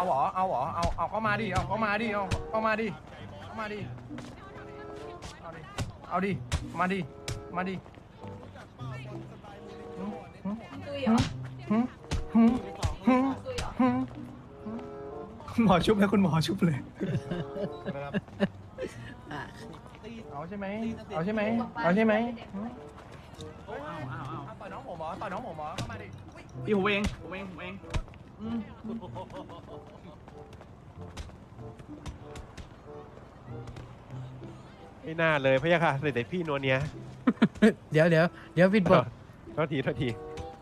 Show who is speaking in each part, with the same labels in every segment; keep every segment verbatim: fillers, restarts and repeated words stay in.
Speaker 1: เอาเหรอเอาเหรอเอาเอาเข้ามาดิเอาเข้ามาดิเอาเข้ามาดิเข้ามาดิเอาดิเอาดิมาดิมาดิ
Speaker 2: ตุยเหรอ
Speaker 1: หึหึหึ
Speaker 2: ตุยเหรอ
Speaker 1: หึ
Speaker 3: คุณหมอชุบนะคุณหมอชุบเลย
Speaker 1: เอาใช่ไหมเอาใช่ไหมเอาใช่ไหมหึเอาต่อยน้องผมเหรอต่อยน้องผมเหรอเข้ามาดิอุ๊ย
Speaker 4: พี่ผมเองผมเองผมเอง
Speaker 1: อืม
Speaker 5: ไม่น่าเลยพะยะค่ะเด็กพี่นัวเนีย
Speaker 6: เดี๋ยวเดี๋ยวเดี๋ยวผิดบท
Speaker 5: โทษทีโทษที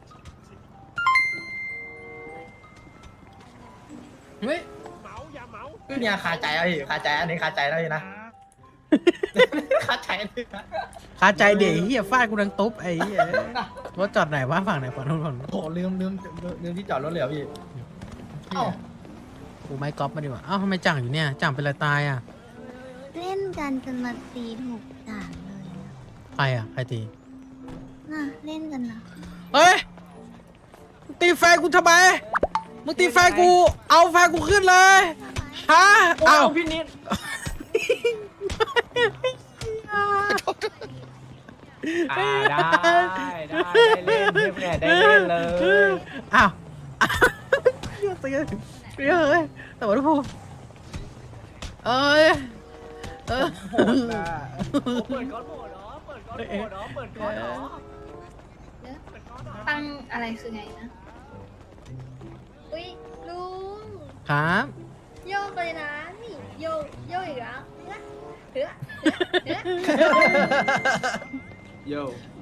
Speaker 6: เฮ้ย
Speaker 5: เมาอย่าเมา
Speaker 3: เนี่ยคาใจแล้วพี่คาใจอันนี้คาใจแล้วพี่นะคาใจอันนี้นะ
Speaker 6: คาใจเดี๋ยวไอ้เฮียฟาดกูดังตุ๊บไอ้เฮียรถจอดไหนวะฝั่งไหนฝั่งนู้นฝั่งนู้น
Speaker 3: โอ้โหลืมลืมลืมที่จอดรถเลยเหรอพี่เอ้า
Speaker 6: กูไม่ก๊อปมาดีกว่าเอ้าทำไมจ่างอยู่เนี่ยจ่างเป็นอะไรตายอ่ะ
Speaker 7: เล่นกันจนมาตีถูกด่านเลยอะ
Speaker 6: ใครอ่ะใครตี
Speaker 7: น่ะเล่นกันนะ
Speaker 6: เฮ้ยมึงตีแฟนกูทำไมมึงตีแฟนกูเอาแฟนกูขึ้นเลยฮะเอา
Speaker 4: พี่นิด อ่าได้ได้ได้เล่นเพื่อนได้เล่นเลย
Speaker 6: อ้าวเยอะเยอะเยอะเลยแต่ว่าทุกคนเอ้ยเออ
Speaker 4: เปิดก้อนโหดเนาะเปิดก้อนโหดเนาะเปิดก้อนเนาะ
Speaker 2: ตั้งอะไรคือไงนะ อุ้ยลุง
Speaker 6: ครับ
Speaker 2: โยกเลยนะ นี่โยกโยกอีกแล้วเฮ้ยเฮ้ยเฮ้ย
Speaker 4: โย่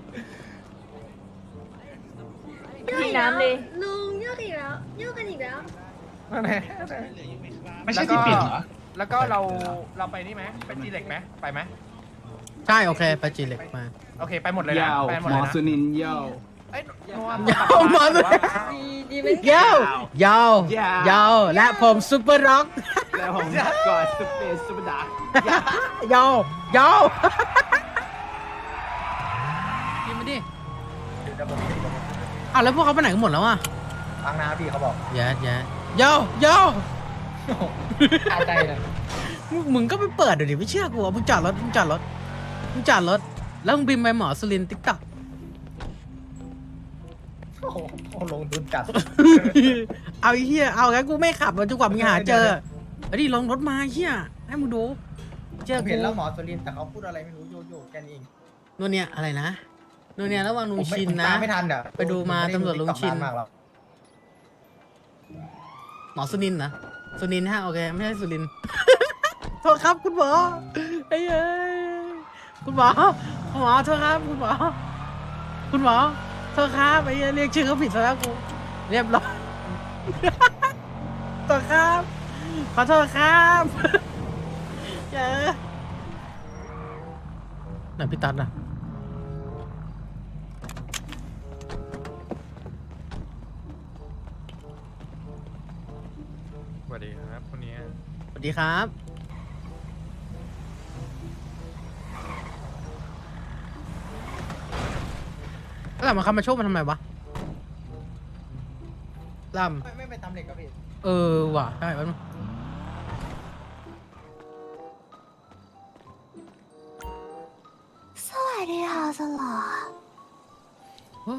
Speaker 2: โยกอีกแล้วลุงโยกอีกแล้วโยกกันอีกแล้ว
Speaker 1: นั่นแหละ
Speaker 3: ไม่ใช่ที่ปิดเหรอ
Speaker 1: แล้วก็เราเราไปนี่ไหมไปจีเล็กไหมไปไหม
Speaker 6: ใช่โอเคไปจีเล็กมา
Speaker 1: โอเคไปหมดเลยนะ
Speaker 4: ยาว
Speaker 1: ไปหมด
Speaker 4: หม
Speaker 1: เลย
Speaker 4: อ
Speaker 1: นะ
Speaker 4: สุนินโย่
Speaker 1: เอ้ยนัว
Speaker 6: ยาวมาเลย
Speaker 2: ดีดีไหม
Speaker 6: ยาวยาวยาวและผมซุปเปอร์ร็อก
Speaker 4: แล้วผมกอดสเปซสุดา
Speaker 6: ยาวยาวกินมาดิอ้าวแล้วพวกเขาไปไหนกันหมดแล้วอ่ะ
Speaker 3: ฟังนะพี่เขาบอก
Speaker 6: แย่แย่ยาวยาว
Speaker 3: คาใจเลย
Speaker 6: มึงมึงก็ไปเปิดเดี๋ยวดิไม่เชื่อกูอ่ะมึงจอดรถมึงจอดรถมึงจอดรถแล้วมึงบินไปหมอสุรินติ๊กต็อก
Speaker 3: โอ้โหลงทุนจัด
Speaker 6: เอาไอ้เหี้ยเอางั้นกูไม่ขับจนกว่ามึงหาเจอไอ้ดิลงรถมาเหี้ยให้มึงดูเจอ
Speaker 3: ผม
Speaker 6: กู
Speaker 3: เห็นแล้วหมอสุรินทร์แต่เขาพูดอะไรไม่รู้โยโย่แค่นี้เอง
Speaker 6: นู่นเนี่ยอะไรนะนู่นเนี่ยระหว่างลุ
Speaker 3: ผ
Speaker 6: ง
Speaker 3: มไม่
Speaker 6: ชิน
Speaker 3: ผม
Speaker 6: นะ
Speaker 3: ตามไม่ทันอ่ะ
Speaker 6: ไปดูมาตำรวจลุงชิน
Speaker 3: มากแล้ว
Speaker 6: หมอสุนินนะสุนินฮะโอเคไม่ใช่สุรินทร์ โทษครับคุณหมอไอ้เอ้ยคุณหมอคุณหมอโทษครับคุณหมอคุณหมอโทษครับไอ้เหี้ยเรียกชื่อเขาผิดซะแล้วกูเรียบร้อย ขอโทษครับขอโทษครับเจอไหนพี่ตัดอ่ะ
Speaker 1: สวัสดีครับคนนี้
Speaker 6: สวัสดีครับแล้วมาคำมาโชคมันทำไมวะล่
Speaker 3: ไม่ไม่ไปทำเหล็กกับพี่
Speaker 6: ำเออว่ะได้แป๊บนึง
Speaker 7: สวัสดีค่ะสลอ
Speaker 6: โอ้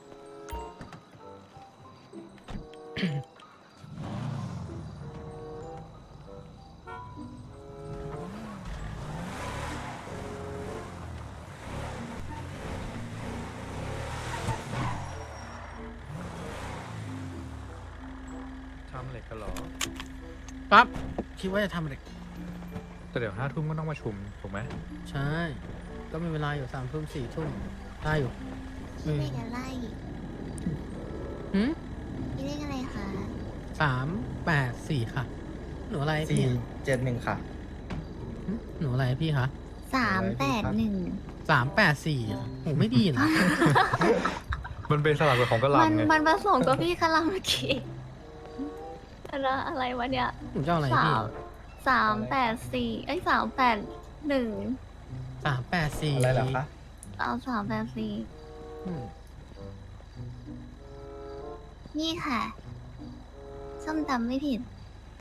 Speaker 1: ทำเหล็กกันหรอ
Speaker 6: ปั๊บคิดว่าจะทำอะไร
Speaker 1: แต่เดี๋ยวห้าทุ่มก็ต้องมาชุมถูกไหม
Speaker 6: ใช่ก็มีเวลาอยู่สามทุ่มสี่ทุ่มได้อยู่
Speaker 7: ชื่อเลขอะไร
Speaker 6: หืม
Speaker 7: ชื่อเลขอะไรคะ
Speaker 6: สามแปดสี่ค่ะ หนูอะไร
Speaker 3: สี่
Speaker 6: พี่
Speaker 3: เจ็ดหนึ่งค่ะ
Speaker 6: หึหนูอะไรพี่คะ
Speaker 7: สามแปดหนึ่ง
Speaker 6: สามแปดสี่โหไม่ดีนะ
Speaker 1: มันเป็นสลับกับของกระห
Speaker 2: มัน
Speaker 1: ลำไง
Speaker 2: มันผสมกับพี่คาราเมื่อกี้อะไรอะไรวะเนี่ย
Speaker 6: หนูจะเอาอะไร
Speaker 2: สา
Speaker 6: พี่
Speaker 2: มสามแปดสี่ไอ้ยสามแปดหนึ่ง
Speaker 6: สามแปดสี่
Speaker 3: อะไรเหรอคะ
Speaker 2: เอาสามแปดสี่
Speaker 6: อืม
Speaker 7: นี่ค่ะส้มตำไม่ผิด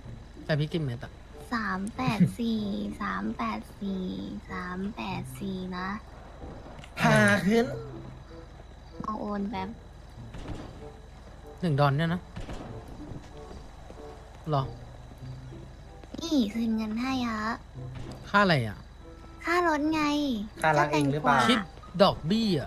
Speaker 6: แต่พี่กินเม็ดอะ
Speaker 7: สามแปดสี่สามแปดสี่สามแปดสี่นะ
Speaker 3: พาขึ้น
Speaker 7: เอาโอนแบบ
Speaker 6: หนึ่งดอนเนี่ยนะหรอ
Speaker 7: นี่คืนเงินให้ฮะ
Speaker 6: ค่าอะไรอ่ะ
Speaker 7: ค่ารถไง
Speaker 3: ค่ารักเองหรือเปล่า
Speaker 7: ก็แตงกว
Speaker 6: คิดดอกเบี้ย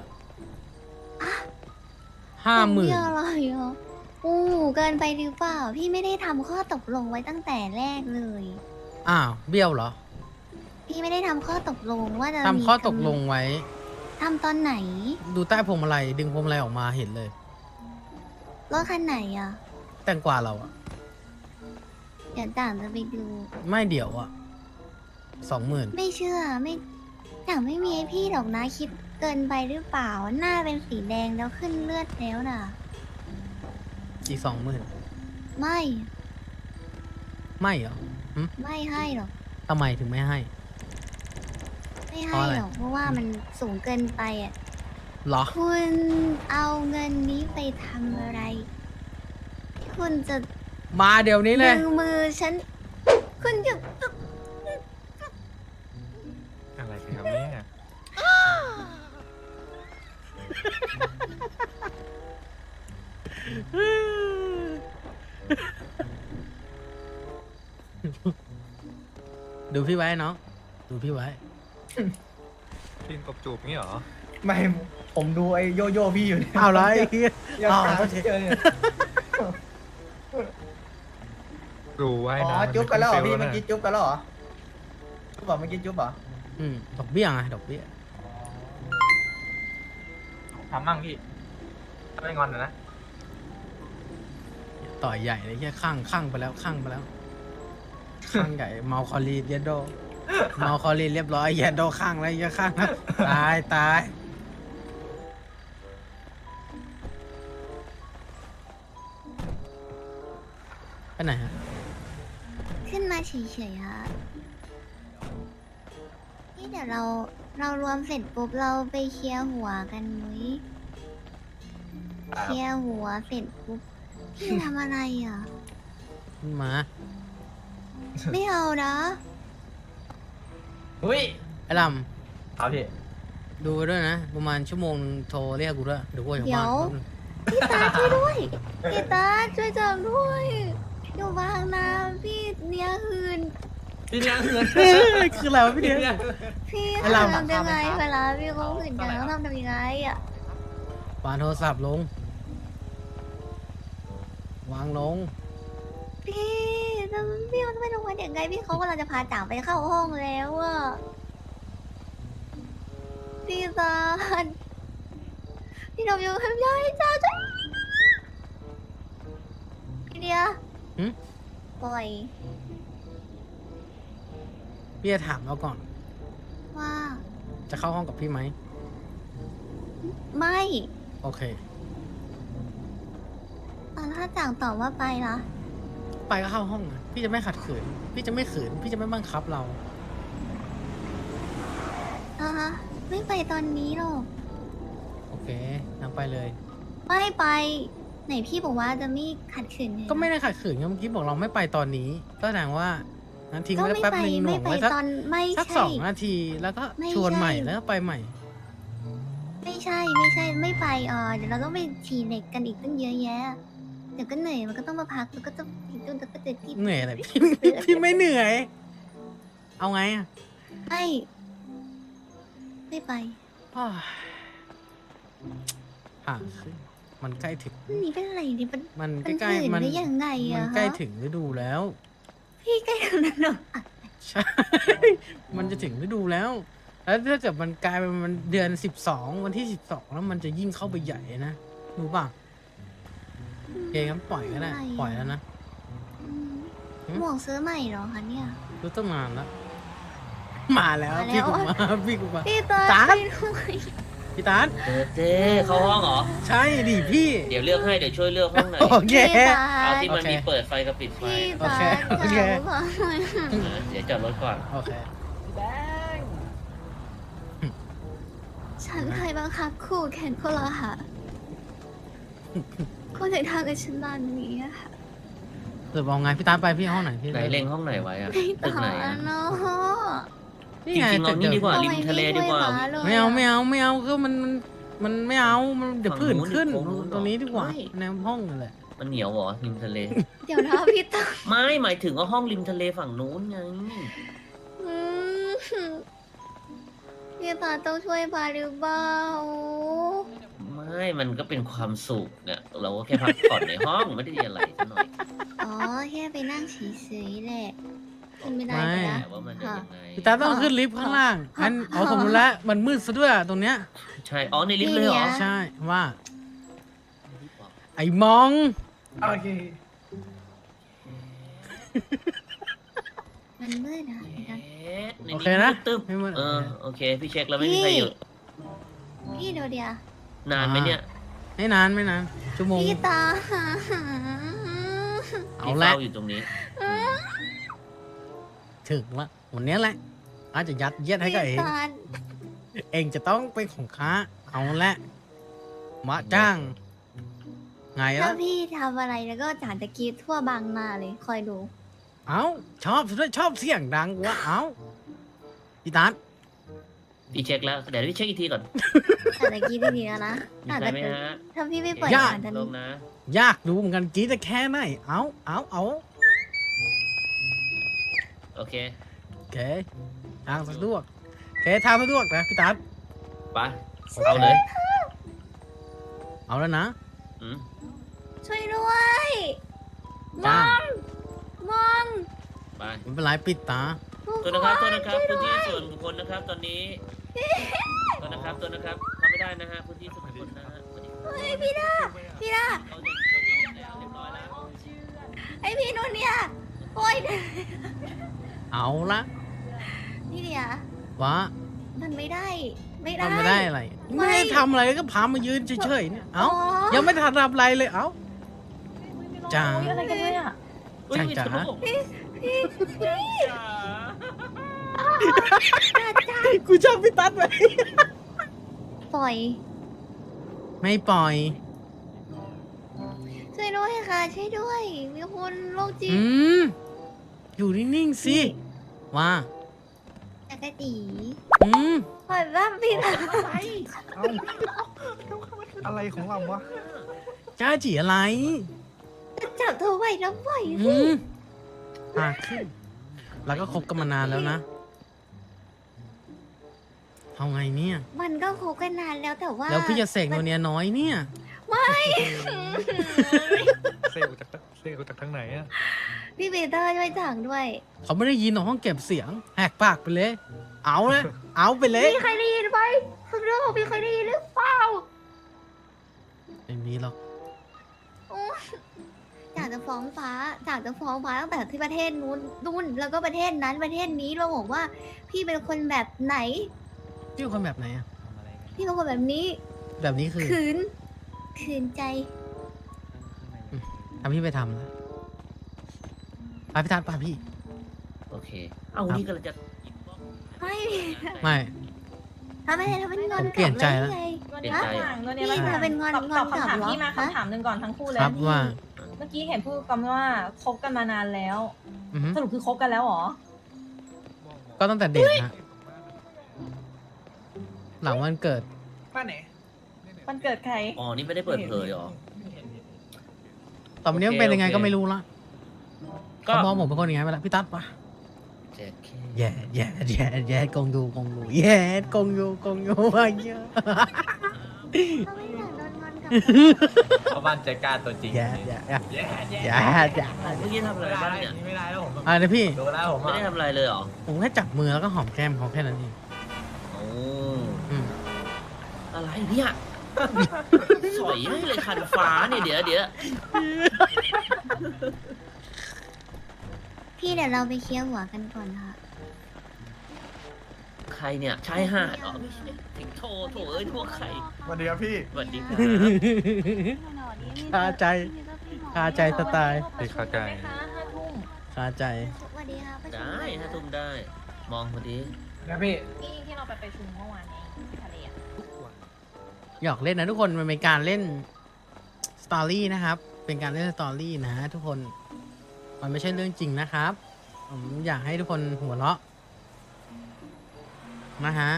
Speaker 6: ห้าหมื่น
Speaker 7: เบี้ยอะไรอ่ะอู้เกินไปหรือเปล่า พี่ไม่ได้ทำข้อตกลงไว้ตั้งแต่แรกเลย
Speaker 6: อ้าวเบี้ยวเหรอ
Speaker 7: พี่ไม่ได้ทำข้อตกลงว่าจะ
Speaker 6: ทำข้อตกลงไว้
Speaker 7: ทำตอนไหน
Speaker 6: ดูใต้พวงมาลัยดึงพวงมาลัยออกมาเห็นเลย
Speaker 7: รถคันไหนอ่ะ
Speaker 6: แตงกวาเราอะ
Speaker 7: เดี๋ยวต่างจะไปดู
Speaker 6: ไม่เดี๋ยวอะสองหมื่น
Speaker 7: ไม่เชื่อไม่ต่างไม่มีให้พี่หรอกนะคิดเกินไปหรือเปล่า หน้าเป็นสีแดงแล้วขึ้นเลือดแล้วน่ะ
Speaker 6: อีกสองหมื่น
Speaker 7: ไม่
Speaker 6: ไม่เหรอ
Speaker 7: ไม่ให้หรอก
Speaker 6: ทำไมถึงไม่ให้
Speaker 7: ไม่
Speaker 6: เพ
Speaker 7: ให้
Speaker 6: ราะอะไร
Speaker 7: หรอกเพราะว่ามันสูงเกินไปอ่ะ
Speaker 6: เหรอ
Speaker 7: คุณเอาเงินนี้ไปทำอะไร คุณจะ
Speaker 6: มาเดี๋ยวนี้เลย
Speaker 7: ดึงมือฉัน คุณจะ
Speaker 5: อะไรกันครับเนี่ย
Speaker 6: ดูพี่ไว้เนาะดูพี่ไว้
Speaker 5: กินกบจูบงี้เหรอ
Speaker 3: ไม่ผมดูไอ้โยโย่พี่อยู่เนี่ย
Speaker 6: เอาไร
Speaker 3: ยัง
Speaker 6: อ๋อ
Speaker 3: หา
Speaker 6: โอ
Speaker 3: ไม่
Speaker 6: เค
Speaker 3: เจอเนี่ย
Speaker 5: รู้ไว้
Speaker 3: อ๋อ
Speaker 5: นะ
Speaker 3: จุ๊บกันแล้วเหรอพี่
Speaker 5: มั
Speaker 3: เมื่อน กี้จุ๊บกันแล้วเหรอจุ๊บบอกเมื่อกี้จุ๊บเหรอ
Speaker 6: อืมดอกเบี้ยไงดอกเบี้ย
Speaker 3: ทำมั่งพี่ถ้าไม่งอนนะนะ
Speaker 6: ต่อยใหญ่เลยแค่ข้างข้างไปแล้วข้างไปแล้วข้างใหญ่เมาคอรีเยดโดเมาคอรีเรียบร้อยเยดโดข้างแล้วเยอะข้างแล้วตายตายไปไหนฮะ
Speaker 7: ขึ้นมาเฉยๆฮะนี่เดี๋ยวเราเรารวมเสร็จปุ๊บเราไปเคลียร์หัวกันมุ้ยเคลียร์หัวเสร็จปุ๊บพี่ทำอะไรอ่ะ
Speaker 6: ขึ้นมา
Speaker 7: ไม่เอานะ
Speaker 3: อุ้ย
Speaker 6: ไอ้ล
Speaker 3: ครับพี่
Speaker 6: ำดูไว้ด้วยนะ ประมาณชั่วโมงโทรเรียกกูด้วยเดี๋ยวกูอยู่บ้านแป๊บนึง
Speaker 7: พี่ตาช่วยด้วยพี่ตาช่วยจับด้วยอยู่บางนาพี่เนี้ยคืน
Speaker 3: พี่เนี่ยเงิน
Speaker 6: คืออะไรวะพี่เดีย
Speaker 7: พี่
Speaker 6: ไอ้เรา
Speaker 7: ทำยังไงเวลาพี่เขาขืนกันต้องทำยังไงอ่ะ
Speaker 6: วางโทรศัพท์ลง วางลง
Speaker 7: พี่ทำพี่เขาจะไปลงมาอย่างไงพี่เขากำลังจะพาจ่างไปเข้าห้องแล้วอ่ะพี่ตาพี่ดมอยู่ทำยังไงจ้าจ้าพี่เดีย
Speaker 6: หึ
Speaker 7: ปล่อย
Speaker 6: พี่จะถามเราก่อน
Speaker 7: ว่า
Speaker 6: จะเข้าห้องกับพี่ไหม
Speaker 7: ไม่
Speaker 6: โอเค
Speaker 7: ตอนถ้าจ่างตอบว่าไปนะ
Speaker 6: ไปก็เข้าห้องนะพี่จะไม่ขัดขืน พี่จะไม่ขืน พี่จะไม่บังคับเรา
Speaker 7: อ่ะฮะไม่ไปตอนนี้หรอก
Speaker 6: โอเคนั่งไปเลย
Speaker 7: ไม่ไป ไหนพี่บอกว่าจะไม่ขัดขืนง
Speaker 6: ก็ไม่ได้ขัดขืนไงเมื่อกี้บอกเราไม่ไปตอนนี้ ก็แสดงว่างั้นทิ้ง
Speaker 7: ก็
Speaker 6: ไว้
Speaker 7: ไม่
Speaker 6: แป๊บ
Speaker 7: ไป
Speaker 6: นึงหน่
Speaker 7: ไม่
Speaker 6: วง
Speaker 7: ไป
Speaker 6: ไว้สัก
Speaker 7: ตอนไม่
Speaker 6: สัก
Speaker 7: ใช่
Speaker 6: สองนาที แล้วก็
Speaker 7: ไม่
Speaker 6: ชวนใหม่
Speaker 7: ใช่
Speaker 6: แล้วก็ไปใหม่
Speaker 7: ไม่ใช่ไม่ใช่ไม่ไปอ่ะเดี๋ยวเราต้องไปฉี่เหล็กกันอีกตั้งเยอะแยะ เดี๋ยวก็เหนื่อยมันก็ต้องมาพักแล้วก็ต้องอีกตุ้นแล้วก็จะที่
Speaker 6: เหนื่อยอะไรพี่ พี่ไม่เหนื่อย เอาไงอ่ะ
Speaker 7: ไม่ไม่ไป
Speaker 6: อ้าวห่างขึ้นมันใกล้ถึง
Speaker 7: นี่เป็นอะไรนี่มัน
Speaker 6: มัน
Speaker 7: มัน
Speaker 6: ใกล้
Speaker 7: หื่น
Speaker 6: ๆมัน
Speaker 7: หรือยังไง
Speaker 6: มั
Speaker 7: อะ
Speaker 6: นใกล้
Speaker 7: ฮะ
Speaker 6: ถึงฤดูแล้ว
Speaker 7: พี่ใกล้ถึงแล้วเหรออ่ะ
Speaker 6: ใช่ มันจะถึงฤดูแล้ว แล้วถ้าเกิดมันกลายเป็นมันเดือนสิบสองวันที่สิบสองแล้วมันจะยิ่งเข้าไปใหญ่นะรู้ป่ะโอเคงั้นปล่อยก็ได้ปล่อยแล้วนะ
Speaker 7: อืม
Speaker 6: หืม
Speaker 7: หมวกซื้อใหม่เหรอคะเนี่ย
Speaker 6: รู้ตั้งนานแล้ว มาแล้ว
Speaker 7: มาแล้ว
Speaker 6: พี่กูมาพี่กูมา
Speaker 7: พี่ตา
Speaker 6: ตา
Speaker 7: ไปด้วย
Speaker 6: พี่ตาน
Speaker 8: เออเจ๊เข้าห้องเหรอ
Speaker 6: ใช่ดิพี่
Speaker 8: เดี๋ยวเลือกให้ เดี๋ยวช่วยเลือกห้องไหนอย
Speaker 6: โอเค
Speaker 7: พี่ตา
Speaker 8: เอาที่มัน
Speaker 6: โอเค
Speaker 8: มีเปิดไฟกับปิดไฟ
Speaker 7: พี่
Speaker 6: โอ
Speaker 7: ตา
Speaker 6: เคโอเค
Speaker 7: จะเอาไป
Speaker 8: เออเดี๋ยวจอดรถก่อน
Speaker 6: โอเค
Speaker 7: ฉันเคยบังคับคู่แข่งพวกเราค่ะคุณถึงทำกับฉันแบบนี้อะค่ะ
Speaker 6: สรุปเอาไงพี่ตาไปพี่ห้องไหนพี่
Speaker 8: ไหนเล็งห้องไหนไว้อะ
Speaker 7: ไม่
Speaker 8: ตึก
Speaker 7: ต่อ
Speaker 8: ไหน
Speaker 7: แล้
Speaker 8: อะ
Speaker 7: วเนาะ
Speaker 6: นี่
Speaker 8: จ
Speaker 6: ไง
Speaker 8: ริงๆเอานี่ดีกว่า ริมทะเลดีกว่า
Speaker 6: ไม่เอาไม่เอาไม่เอาก็มันมันมันไม่เอามันเดี๋ยว
Speaker 8: ฝั่ง
Speaker 6: ผื่น
Speaker 8: นู้น
Speaker 6: ขึ้น
Speaker 8: ดิโค้งนู้น
Speaker 6: ตรงนี้ดีกว่า
Speaker 8: ไม่
Speaker 6: ในห้องนั่นแหละ
Speaker 8: มันเหนียวเหรอริมทะเล
Speaker 7: เดี๋ยวนะพี่ต่อ
Speaker 8: ไม่หมายถึงว่าห้องริมทะเลฝั่งนู้นไง
Speaker 7: อืมพี่ต่อต้องช่วยพาหรือเปล่า
Speaker 8: ไม่มันก็เป็นความสุขเนี่ยเราก็แค่พักผ่อนในห้องไม่ได้มีอะไรซะหน่อย
Speaker 7: อ๋อแค่ไปนั่งเฉยๆแหละขึ้นไม่ได้
Speaker 6: ไม่
Speaker 7: ไปละ
Speaker 8: แต่ว่ามันจะยังไง
Speaker 6: พี่ตาต้องขึ้นลิฟต์ข้างล่างงั้นเอาสมมติแล้วมันมืดซะด้วยตรงเนี้ย
Speaker 8: ใช่อ๋อในลิฟต์เลยเหรอ
Speaker 6: ใช่ว่า ไอ้มอง
Speaker 1: โอเค
Speaker 7: มันมืดนะ
Speaker 8: เอ๊ะใน
Speaker 6: โอเคนะ
Speaker 8: ตึ๊บ
Speaker 6: ไม่มืด
Speaker 8: เออโอเคพี่เช็คแล้วไม่มีใครอยู่
Speaker 7: พี่โดเดีย
Speaker 8: นานไหมเนี่ย
Speaker 6: ไม่นานไม่นานชั่วโมง
Speaker 7: พี่ตา
Speaker 6: เอา
Speaker 8: พี่
Speaker 6: ละ
Speaker 8: เฝ้าอยู่ตรงนี้
Speaker 6: ถึงละวันนี้แหละอาจจะยัดเยียดให้กับเอง
Speaker 7: พี่ตา
Speaker 6: เองจะต้องเป็นของข้าเอาละมาจ้าง ไง
Speaker 7: ถ้า
Speaker 6: ล่ะ
Speaker 7: พี่ทำอะไรแล้วก็จานตะกี้ทั่วบางนาเลยคอยดู
Speaker 6: เอาชอบด้วยชอบเสียงดังวะเอาพี่ตัด
Speaker 8: พี่เช็คแล้วเดี๋ยวพี่เช็คอีกทีก่อน
Speaker 7: จานตะกี้ดีๆแล้วนะ
Speaker 8: มี
Speaker 7: จาน
Speaker 8: ใคร
Speaker 7: ตะ
Speaker 8: ไหม
Speaker 7: กี้
Speaker 8: ฮะ
Speaker 7: ถ้าพี่ไม่ปล่อยจานตะ
Speaker 8: ล
Speaker 7: นี้
Speaker 8: งนะ
Speaker 6: ยากดูเหมือนกันกรีดจะแค่ไหนเอาเอาเอา
Speaker 8: โอเค
Speaker 6: โอเคทางสะดวกโอเคทางสะดวกนะพี่ตัด
Speaker 8: ไปเอาเลย
Speaker 6: เอาแล้วนะ
Speaker 8: อืม
Speaker 7: ช่วยด้วย ม
Speaker 6: จ้า
Speaker 7: องมอง
Speaker 8: ไป
Speaker 6: ไม่เป็นไรปิดตา
Speaker 7: ทุก
Speaker 8: ตัว
Speaker 7: ค
Speaker 8: นะครับตัวน นะครับ
Speaker 7: ช่วย
Speaker 8: พื้น
Speaker 7: ด้
Speaker 8: ที่
Speaker 7: วย
Speaker 8: ส่วนบุคคลนะครับตอนนี้ตัวนะครับตัวนะครับทำไม่ได้นะฮะพื้นที่ส่วนบุคคลนะฮะสวัสดีครับ
Speaker 7: เฮ้ยพี่ดาพี่ดา
Speaker 8: เอาเด็กเอาเด็กแล้วเรียบร้อยแล้ว
Speaker 7: ไอพี่นุ่นเนี่ยโอ้ย
Speaker 6: เอาละ
Speaker 7: นี่เดียว
Speaker 6: วะ
Speaker 7: มันไม่ได้ ไม่ได้
Speaker 6: ทำไม่ได้อะไร
Speaker 7: ไม่
Speaker 6: ไม่ได้ทำอะไรก็พามายืนเฉยๆเนี่ยเอา
Speaker 7: อ๋อ
Speaker 6: ยังไม่ทันทำอะไรเลยเอาจ้า
Speaker 2: อะไรกันเนี่ย
Speaker 8: อุ๊ย
Speaker 6: ช่าง
Speaker 8: มี
Speaker 6: จ๋า
Speaker 8: ทะลุ
Speaker 6: กูชอบพี่ตัดไป
Speaker 7: ปล่อย
Speaker 6: ไม่ปล่อย
Speaker 7: ช่วยด้วยค่ะ ช่วยด้วย มีคนโรคจิต
Speaker 6: อืม อยู่นิ่งๆสิว่า
Speaker 7: จักรตี
Speaker 6: อืม
Speaker 7: ปล่อยบ้าพี่ดา
Speaker 1: เอาอะไรของเราวะ
Speaker 6: จ้าจีอะไร
Speaker 7: จะจับเธอไว้แล้วปล่อย
Speaker 6: อื
Speaker 7: สิ
Speaker 6: มปากขึ้น แล้วก็คบกันมานานแล้วนะเอาไงเนี่ย
Speaker 7: มันก็คบกันนานแล้วแต่ว่า
Speaker 6: แล้วพี่จะเสกโนเนียน้อยเนี่ย
Speaker 7: ไม่
Speaker 5: เซลจากเซลจากทางไหนอะ
Speaker 7: พี่ปีเตอร์ช่วยจังด้วย
Speaker 6: เขาไม่ได้ยินหรอกห้องเก็บเสียง แหกปากไปเลย เอาเลย เอาไปเลย
Speaker 7: พี่เคยได้ยินไหมเรื่องของพี่เคยได้ยินหรือเปล่า
Speaker 6: ไม่มีหรอก
Speaker 7: จากจะฟ้องฟ้าจากจะฟ้องฟ้าตั้งแต่ที่ประเทศนู้นนู่นแล้วก็ประเทศนั้นประเทศนี้เราบอกว่า พี่เป็นคนแบบไหน
Speaker 6: พี่เป็นคนแบบไหนอะ
Speaker 7: พี่เป็นคนแบบนี้
Speaker 6: แบบนี้คือ
Speaker 7: ขืน ขืนใจ
Speaker 6: ทำพี่ไปทำนะไปพี่ทัดไปพี่
Speaker 8: โอเค เอานี่ก็เลยจะ
Speaker 7: ไม่
Speaker 6: ไม่
Speaker 7: ทำไมทำเป็นงอน
Speaker 6: ผมเปลี่ยนใจแล้ว
Speaker 7: กบเลย
Speaker 8: เปลี่ยนใจอะ
Speaker 2: ตัวเนี้ย
Speaker 7: พี่
Speaker 2: มา
Speaker 7: ทำเป็นงอน
Speaker 2: ตอบ
Speaker 7: ง
Speaker 2: ต
Speaker 7: อ
Speaker 2: อน บ
Speaker 7: กลับ
Speaker 2: คำถาม
Speaker 7: เหรอ
Speaker 2: พี่มา
Speaker 7: ฮะ
Speaker 2: คำถามหนึ่งก่อนทั้งคู่เลย
Speaker 6: ครับว่า
Speaker 2: เมื่อกี้เห็นพูดกันว่าคบกันมานานแล้ว
Speaker 6: อือฮึ
Speaker 2: สรุปคือคบกันแล้วเหรอ
Speaker 6: ก็ตั้งแต่เด็กนะหลังวันเกิด
Speaker 1: ป้าไหน
Speaker 2: มันเกิดใคร
Speaker 8: อ๋อนี่ไม่ได้เปิดเผยเหรอ
Speaker 6: ตอนนี้มัน
Speaker 8: โอเค
Speaker 6: เป็นยังไง
Speaker 8: โอเค
Speaker 6: ก็ไม่รู้ละ
Speaker 8: ก็
Speaker 6: เขามองผมเป็นคนยังไงไปแล้วพี่ตัดปะ
Speaker 8: เจ็ดเค
Speaker 6: แย่แย่แย่แย่กงดูกงดูแย่กงยูกงยูอะไรเงี้ย
Speaker 7: เขาไม่อยากโดนงอนกับ
Speaker 3: เพราะบ้านใจกล้าตัวจริง
Speaker 6: แย่แย่แย่
Speaker 3: แย่แย่
Speaker 6: แย่แย่
Speaker 8: เมื่อกี้ทำอะไรบ้างเนี่ย
Speaker 3: ไม่ได้แล้วผม
Speaker 6: อะไรนะพี่
Speaker 3: ดูแล้วผม
Speaker 8: ไม่ได้ทำอะไรเลยเหรอ
Speaker 6: ผมแค่จับมือแล้วก็หอมแก้มเขาแค่นั้นเอง
Speaker 8: โอ้
Speaker 6: อืม
Speaker 8: อะไรเนี่ย สอยให้เลยคันฟ้าเนี่ยเดี๋ยวเดี๋ยว
Speaker 7: พี่เดี๋ยวเราไปเคลียร์หัวกันก่อนค่ะ
Speaker 8: ใครเนี่ยชายหาดอ๋อไม่ใช่สิงโตโถเอ้ยพวกใคร
Speaker 1: สวัสดีครับพี่
Speaker 8: สวัสดีครับ
Speaker 6: คาใจคาใจสไตล์
Speaker 5: ไม่เข้าใจ
Speaker 2: ไหมคะห้าทุ่ม
Speaker 6: คาใจ
Speaker 7: สวัสดีค่ะประชุม
Speaker 8: ได้ถ้าทุ่มได้ มองพอดี
Speaker 1: นะพี่
Speaker 2: ที่ที่เราไปประชุมเมื่อวานนี้ที่ทะเลอะ
Speaker 6: หยอกเล่นนะทุกคนมันเป็นการเล่นสตอรี่นะครับ เป็นการเล่นสตอรี่นะทุกคนมันไม่ใช่เรื่องจริงนะครับผมอยากให้ทุกคนหัวเราะนะฮะ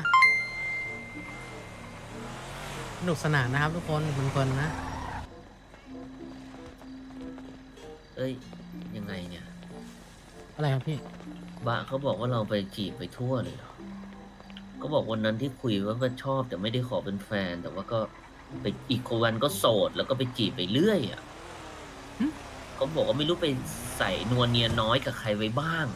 Speaker 6: สนุกสนานนะครับทุกคนเพลินๆนะ
Speaker 8: เอ้ยยังไงเนี่ย
Speaker 6: อะไรครับพี่
Speaker 8: บะเขาบอกว่าเราไปจีบไปทั่วเลยเหรอก็บอกวันนั้นที่คุยว่าก็ชอบแต่ไม่ได้ขอเป็นแฟน แต่ว่าก็ไปอีกวันก็โสดแล้วก็ไปจีบไปเรื่อยอ่ะเขาบอกว่าไม่รู้ไปใส่นวลเนียน้อยกับใครไว้บ้าง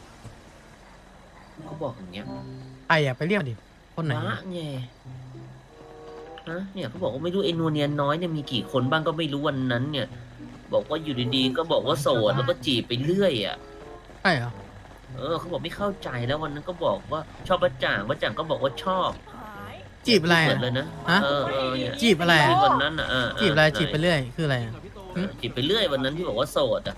Speaker 8: เขาบอกอย่างเงี้ย
Speaker 6: ไอ้อะไปเรียกดิคนไหน
Speaker 8: บะไงฮะเนี่ยเขาบอกว่าไม่รู้ไอ้นวลเนียน้อยเนี่ยมีกี่คนบ้างก็ไม่รู้วันนั้น เนี่ย บอกว่าอยู่ดีๆก็บอกว่าโสดแล้วก็จีบไปเรื่อยอ่ะ
Speaker 6: ใช่เหรอ
Speaker 8: เออเขาบอกไม่เข้าใจแล้ววันนั้นก็บอกว่าชอบประจ่างประจ่างก็บอกว่าชอบ
Speaker 6: จีบอะไร
Speaker 8: เปิ
Speaker 6: อะ
Speaker 8: ดเลยนะ
Speaker 6: ฮะ
Speaker 8: เออเออเนี่ย
Speaker 6: จีบอะไรอะ
Speaker 8: วันนั้นอ่ะเออเ
Speaker 6: จีบอะไรจีบไปเรื่อยคืออะไรอะ
Speaker 8: เออจีบไปเรื่อยวันนั้นที่บอกว่าโสดอ่ะ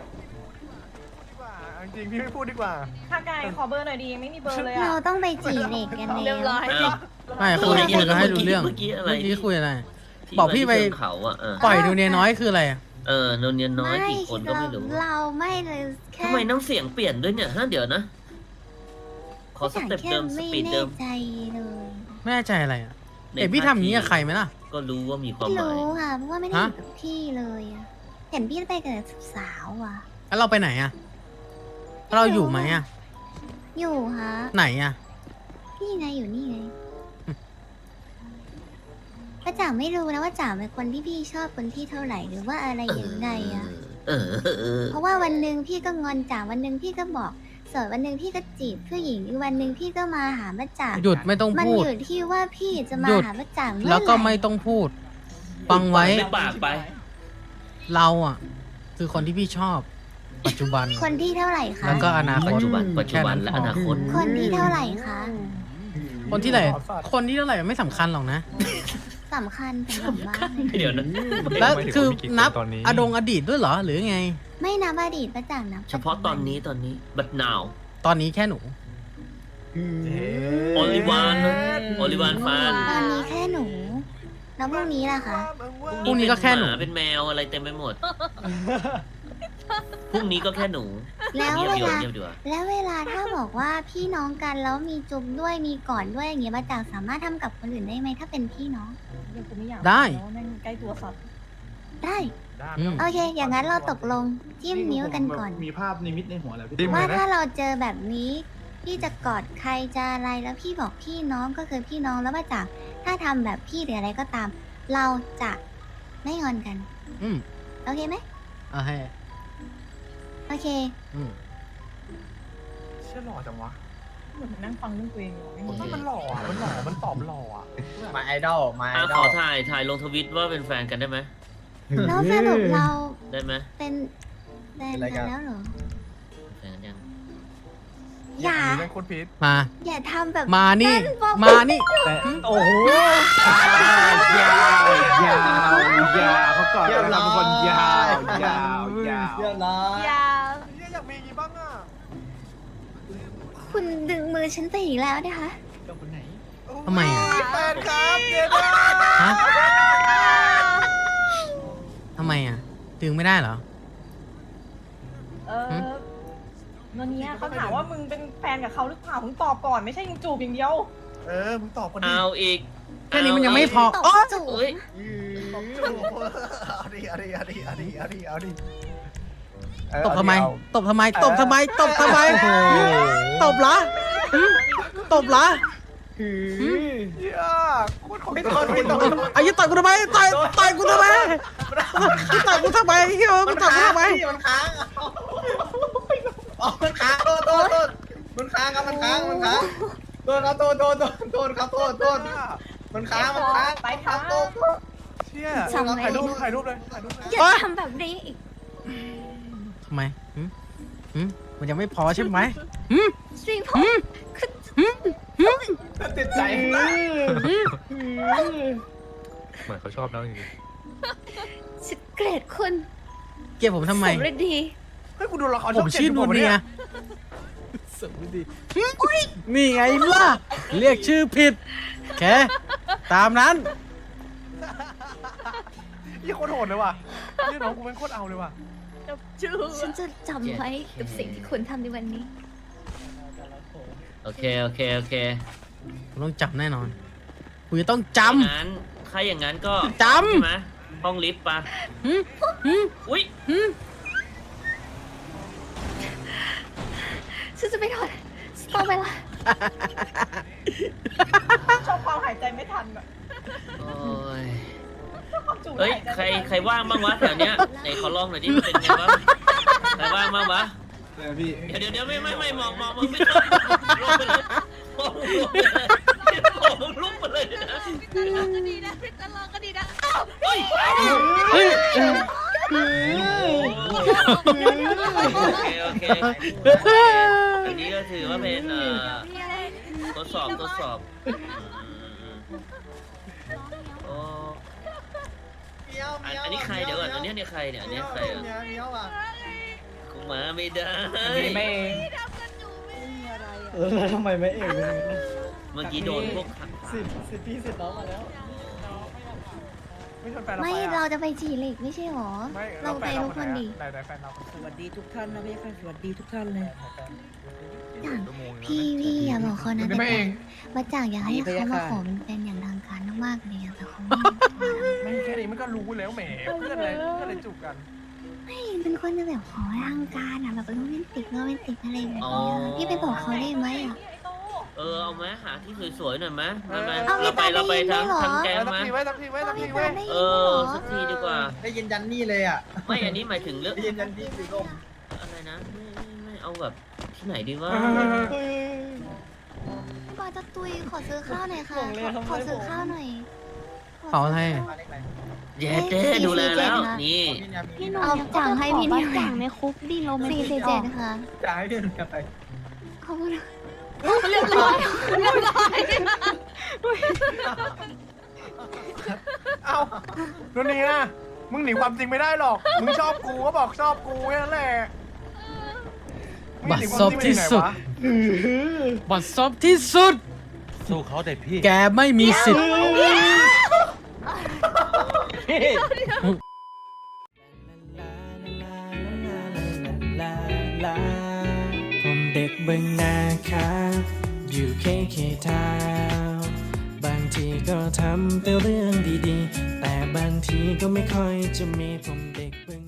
Speaker 1: จริงๆพี่ไม่พูดดีกว่า
Speaker 9: ถ้าไก่ขอเบอร์หน่อยดีไม่มีเบอร์เลย
Speaker 7: เรา
Speaker 9: อ่ะ
Speaker 7: ต้องไปจีบเด็กกัน
Speaker 2: เรียบร้อย
Speaker 8: อ้าว
Speaker 6: ไม่คุยคุยก็ให้รู้เรื่อง
Speaker 8: เมื่อกี้อะไร
Speaker 6: เมื่อกี้คุยอะไร
Speaker 8: ที่
Speaker 6: บอกพี่ไป
Speaker 8: ที่เชิงเขาอ่ะเออ
Speaker 6: ปล่อยดูเนียน้อยคืออะไรอะ
Speaker 8: เออโนนเนียนน้อย
Speaker 7: ไม่
Speaker 8: กี่คนก็ไม่รู้
Speaker 7: เราไม่เลยแค่
Speaker 8: ทำไมน้ำเสียงเปลี่ยนด้วยเนี่ยฮะเดี๋ยวนะ ขอสเต็ปเดิมส
Speaker 7: ไม่
Speaker 8: ปีด
Speaker 7: แน่
Speaker 8: เดิม
Speaker 7: ใจเลย
Speaker 6: ไม่แน่ใจอะไรอะเอ็พี่ทำอย่างนี้กับใครไหมล่ะ
Speaker 8: ก็รู้ว่ามีความ
Speaker 7: ไม่
Speaker 8: หมาย
Speaker 7: รู้ค่ะเพราะว่าไม่ได้อ
Speaker 6: ฮะ
Speaker 7: ยู่กับพี่เลยอะเห็นพี่ไปกับสาวอ่ะ
Speaker 6: แล้วเราไปไหนอะเราอยู่ไหมอะ
Speaker 7: อยู่ฮะ
Speaker 6: ไหนอะ
Speaker 7: พี่ไงอยู่นี่ไงป้าจ๋าไม่รู้นะว่าจ๋าเป็นคนที่พี่ชอบคนที่เท่าไหร่หรือว่าอะไรยังไงอะ
Speaker 8: เออเออเออ
Speaker 7: เพราะว่าวันหนึ่งพี่ก็งอนจ๋าวันหนึ่งพี่ก็บอกส่วนวันหนึ่งพี่ก็จีบผู้หญิงอีกวันหนึ่งพี่ก็มาหาป้าจ๋า
Speaker 6: หยุดไม่ต้อง
Speaker 7: มัน
Speaker 6: พูด
Speaker 7: อยู่ที่ว่าพี่จะมา
Speaker 6: หยุด
Speaker 7: หาป้าจ๋าเมื่อไหร่
Speaker 6: แล้วก็ไม่ต้องพูด ฟังไว้
Speaker 8: ไม่ปากไป
Speaker 6: เราอ่ะ คือคนที่พี่ชอบ ปัจจุบัน
Speaker 7: คนที่เท่าไหร่คะ
Speaker 6: แล้วก็อนาค
Speaker 8: ปั
Speaker 6: ต
Speaker 8: จจุบันปัจจุบันและอนาคต
Speaker 7: คนที่เท่าไหร่คะ
Speaker 6: คนที่ไหนคนที่เท่าไหร่ไม่สำคัญหรอกนะ
Speaker 7: สำคัญสำหรับบ้าน
Speaker 8: เดี๋ยวนะ
Speaker 6: แล้วคือนับ
Speaker 5: ตอนนี้
Speaker 6: อดงอดีตด้วยเหรอ หรือไง
Speaker 7: ไม่นับอดีตป้าจ๋านับ
Speaker 8: เฉพาะตอนนี้ตอนนี้บัดนาว
Speaker 6: ตอนนี้แค่หนู
Speaker 8: โอลิวานโอลิวานฟาน
Speaker 7: ตอนนี้แค่หนูแล้วพรุ่งนี้ล่ะคะ
Speaker 6: พรุ่งนี้ก็แค่หนู
Speaker 8: เป็มาเป็นแมวอะไรเต็มไปหมด พรุ่งนี้ก็แค่หนู
Speaker 7: แล้ว
Speaker 8: เงียบ
Speaker 7: เว
Speaker 8: ดีกว่า
Speaker 7: ลา
Speaker 8: เงียบดีกว่า
Speaker 7: แล้วเวลาถ้าบอกว่าพี่น้องกันแล้วมีจุ๊บด้วยมีกอดด้วยอย่างเงี้ยป้าจ๋าสามารถทำกับคนอื่นได้ไหมถ้าเป็นพี่น้อง
Speaker 9: ยังกูไม่อยาก
Speaker 6: ได้
Speaker 9: แล้วแม่งใกล้ตัวสัตว์
Speaker 7: ได้
Speaker 6: อืม
Speaker 7: โอเค อย่างนั้นเราตกลงจิ้มนิ้วกันก่อน
Speaker 3: มีภาพนิมิตในหัวแล้วพี่
Speaker 1: จิ้ม
Speaker 7: ว่า
Speaker 1: เลยนะ
Speaker 7: ถ้าเราเจอแบบนี้ พี่จะกอดใครจะอะไรแล้วพี่บอกพี่น้องก็คือพี่น้องแล้วป้าจ๋าถ้าทำแบบพี่หรืออะไรก็ตาม เราจะไม่งอนกัน
Speaker 6: อืม
Speaker 7: โอเคไหม
Speaker 6: เอาให้
Speaker 7: โอเค
Speaker 6: อืม
Speaker 1: เชื่อหล่อจังวะ
Speaker 9: เหมือนนั่งฟังเรื่องตัวเองอยู่ไม่
Speaker 1: มัน
Speaker 9: มี
Speaker 1: มันหล่ออะมันหล่อมันตอบหล่ออ่ะ
Speaker 3: มาไอดอลมาไอ
Speaker 8: อ่ะ
Speaker 3: ด
Speaker 8: ข
Speaker 3: อ
Speaker 8: อ
Speaker 3: ล
Speaker 8: ถ่ายถ่ายลงทวิตว่าเป็นแฟนกันได้ไหม
Speaker 7: แล้วสรุปเรา
Speaker 8: ได้ไหม
Speaker 7: เป็นแฟนกันแล้วเหรอ
Speaker 8: แฟนกันยัง
Speaker 7: อย่า
Speaker 1: เรื่องคนผิด
Speaker 6: มา
Speaker 7: อย่าทำแบบ
Speaker 6: มานี่
Speaker 7: บอก
Speaker 6: มานี่
Speaker 3: โอ้โห
Speaker 4: ยาวยาวยาวเขาก่อนเราเป็นคนยาวยาวยาว
Speaker 3: เรียบร้อย
Speaker 2: ยาว
Speaker 1: เนี่ยอยากมีอย่างงี้บ้างอ่ะ
Speaker 7: คุณดึงมือฉันไปอีกแล้วนะคะ
Speaker 6: ทำไมอ่ะ
Speaker 1: แฟนครับเดี๋ยวนะ
Speaker 6: ฮะทำไมอ่ะ ดึงไม่ได้เหรอ
Speaker 9: เออโนเนียเขาถามว่ามึงเป็นแฟนกับเขาหรือเปล่ามึงตอบก่อนไม่ใช่มึงจูบอย่างเดียว
Speaker 1: เออมึงตอบคนดี
Speaker 8: เอาอีก
Speaker 6: แค่นี้มันยังไม่พอ
Speaker 7: ตบ
Speaker 6: อ๋อ
Speaker 7: จูบ
Speaker 8: เอ้ย
Speaker 1: ตอบจูบเอาดิเอาดิเอาดิเอาดิเอาดิเอาดิเออ
Speaker 6: ตบทำไม
Speaker 1: เอา
Speaker 6: ตบทำไม ตบทำไม ตบทำไมตบเหรอหึตบเหรอ
Speaker 1: เหี้ยโคตรของ
Speaker 3: ไม่
Speaker 1: ตั
Speaker 3: ต้
Speaker 1: ว
Speaker 3: องไม่ต้อง
Speaker 6: ไอ้ยี่ต่อยกูทำไมต่อยต่อยกูทำไมต่อยกูทำไมเฮ้ยมึงต่อยกูทำไม
Speaker 3: มันค้างอ๋อมันค้างโทษโทษโทษมันค้างครับมันค้างมันค้างโทษครับโทษโทษโทษโทษครับโทษโทษมันค้างมันค้าง
Speaker 9: ไปค่ะ
Speaker 3: โทษ
Speaker 1: เชี่ยถ่ายรูปถ่ายรูปเลยถ่ายรูปเลย
Speaker 7: อย่าทำแบบนี้อีก
Speaker 6: ทำไมหึหึมันยังไม่พอใช่ไหมหึ
Speaker 7: สิผม
Speaker 3: ติดใจ
Speaker 5: เหมือนเขาชอบแล้วจริง
Speaker 7: ฉันเกลียดคุณ
Speaker 6: เกลียดผมทำไม
Speaker 7: สมฤดี
Speaker 1: เฮ้ยกูดูละคร
Speaker 6: ผม
Speaker 1: ช่
Speaker 6: ชื่อ
Speaker 1: อง
Speaker 6: นู
Speaker 1: จ็ด
Speaker 6: เนีย
Speaker 1: อยู่
Speaker 6: สมดีนี่ไงล่ะ เรียกชื่อผิดแค่ตามนั้น
Speaker 1: ยี่โคตรโหดเลยว่ะนี่น้องกูเป็นโคตรเอาเลยว่ะ
Speaker 2: กับจูบ
Speaker 7: ฉันจะจำไว้กับสิ่งที่คุณทำในวันนี้
Speaker 8: โอเคโอเคโอเค
Speaker 6: ผมต้องจำแน่นอนกูจะต้องจ
Speaker 8: ถ้าอย่างนั้นถ้าอย่างนั้นก็
Speaker 6: จำ
Speaker 8: ใช่ไหมห้องลิฟต์ปะ
Speaker 6: ำหืมหืม
Speaker 8: อุ้ย
Speaker 6: หืม
Speaker 7: ฉันจะไปถอดต้องไปละ
Speaker 9: ชอบความหายใจไม่ทันอะ
Speaker 8: โอ้ย
Speaker 9: ชอบความจูบ
Speaker 8: เฮ้ย
Speaker 9: หายใจ
Speaker 8: ใคร
Speaker 9: ไม่ทัน
Speaker 8: ใครว่างบ้างวะแถวเนี้ยไหนขอลองหน่อยดิมันเป็นไงวะใครว่างบ้างวะ
Speaker 4: พี่
Speaker 8: เดี๋ยวเดี๋ยวเดี๋ยวไม่ไม่ไม่มองมองมึงไม่ต้องลงไปเลยมองลงไปเลยมองลุกไปเลยนะ
Speaker 2: ก็ดีนะพี่ตลอดก็ดีนะ
Speaker 8: เฮ้ย
Speaker 6: เฮ้ย
Speaker 8: โอเคโอเคอันนี้ก็ถือว่าเป็นเอ่อทดสอบทดสอบอืมอืมโอ้
Speaker 3: เมียว
Speaker 8: อัน
Speaker 3: เมียว
Speaker 8: อันนี้ใครเดี๋ยวก่อนอันนี้เนี่ยใครเนี่ยอันนี้ใครอ่ะ
Speaker 3: เมียวเมียวอ่ะ
Speaker 8: กูมาไม่ได้
Speaker 1: นี่ไม่เอง
Speaker 4: เออทำไมไม่เอ่ย
Speaker 8: เมื่อกี้โดนพวกขัง
Speaker 4: สิบสิบพี่สิบน้องมาแล้ว
Speaker 1: ไม่ชวนแฟนเรา
Speaker 7: ไม่
Speaker 1: ไป
Speaker 7: เรา
Speaker 1: อะ
Speaker 7: จะไปจีเหล็กไม่ใช่หรอ
Speaker 1: ไม่
Speaker 7: เราไป
Speaker 1: แฟ
Speaker 7: ทุกคนดิ
Speaker 1: ไหนไหนแฟนเรา
Speaker 10: สวัสดีทุกท่านนะพี่ค่ะสวัสดีทุกท่านเลย
Speaker 7: อย่างพี่พี่อย่าบอกเขานะ
Speaker 1: นี่ไม่เอง
Speaker 7: มาจากอยากให้
Speaker 10: นี่พะ
Speaker 7: เขา
Speaker 10: ยะ
Speaker 7: มา
Speaker 10: ค่ะ
Speaker 7: ขอเป็นแฟนอย่างทางการมากๆเลยอะแต่เขาไม่
Speaker 1: ไม่แค่นี้มันก็รู้แล้วแหมเพื่อนอะไรเพื่อนอะไรจูบกัน
Speaker 7: ไม่เป็นคนจะแบบขอทางการอะแบบโรแมนติกโรแมนติกอะไรแบบนี้อะพี่ไปบอกเขาได้ไหมอะ
Speaker 8: เออเอาไหมหาที่สวยๆหน่อยไหมมามา
Speaker 7: เอา
Speaker 8: เราไป
Speaker 7: มีตา
Speaker 8: เราไป
Speaker 7: ได้ยิน
Speaker 8: ทั้ง
Speaker 7: ด้วยเหรอ
Speaker 8: ทั้งแก๊ง
Speaker 1: เออสัก
Speaker 8: มา
Speaker 1: ทีไว้สักทีไว้สัก
Speaker 7: พี่
Speaker 1: ที
Speaker 7: ตา
Speaker 1: ไว้
Speaker 7: ได้ยิน
Speaker 8: เอ
Speaker 7: ด้วยเหร
Speaker 8: อ
Speaker 7: อ
Speaker 8: สักทีดีกว่า
Speaker 3: ได้ยินยันนี่เลยอ่ะ
Speaker 8: ไม่อันนี้หมายถึงเรื่อง
Speaker 3: ได้ยินยันนี่สีลม
Speaker 8: อะไรนะไม่ไม่ไม่เอาแบบที่ไหนดีวะ
Speaker 7: พี่บอยจะตุยขอซื้อข้าวหน่อยค่ะขอขอซื้อข้าวหน่อย
Speaker 6: เป๋าอะไร
Speaker 3: มาเลขไหน
Speaker 8: เย้เจ๊ดูแลแล้วนี่
Speaker 3: พี่เนี่ยมี
Speaker 7: พี่หนุ่มเอาจ่างให้พี่นิว
Speaker 2: จ่างในคุกดิโรแมน
Speaker 7: สี่
Speaker 2: ติก
Speaker 7: สี่เจ็ดค่ะ
Speaker 3: จ่ายให้พี่หนุ่มไป
Speaker 7: ขอบคุณ
Speaker 2: เรียบร้อยเรียบร้อย
Speaker 1: เอ้าตัวนี้นะมึงหนีความจริงไม่ได้หรอก มึงชอบกูก็บอกชอบกูแค่นั้นแหละมึง
Speaker 6: บั
Speaker 1: ห
Speaker 6: ด
Speaker 1: นีความ
Speaker 6: ซบ
Speaker 1: จริงไป
Speaker 6: ที่
Speaker 1: ไหน
Speaker 6: สุด
Speaker 1: วะ
Speaker 6: บัดซบที่สุด
Speaker 5: สู้เขาได้พี่
Speaker 6: แกไม่มีสิทธิ์
Speaker 10: ผมเด็กเบึงนาครับอยู่เคเคทาวน์บางทีก็ทำแต่เรื่องดีๆ แต่บางทีก็ไม่ค่อยจะมีผมเด็กเบึง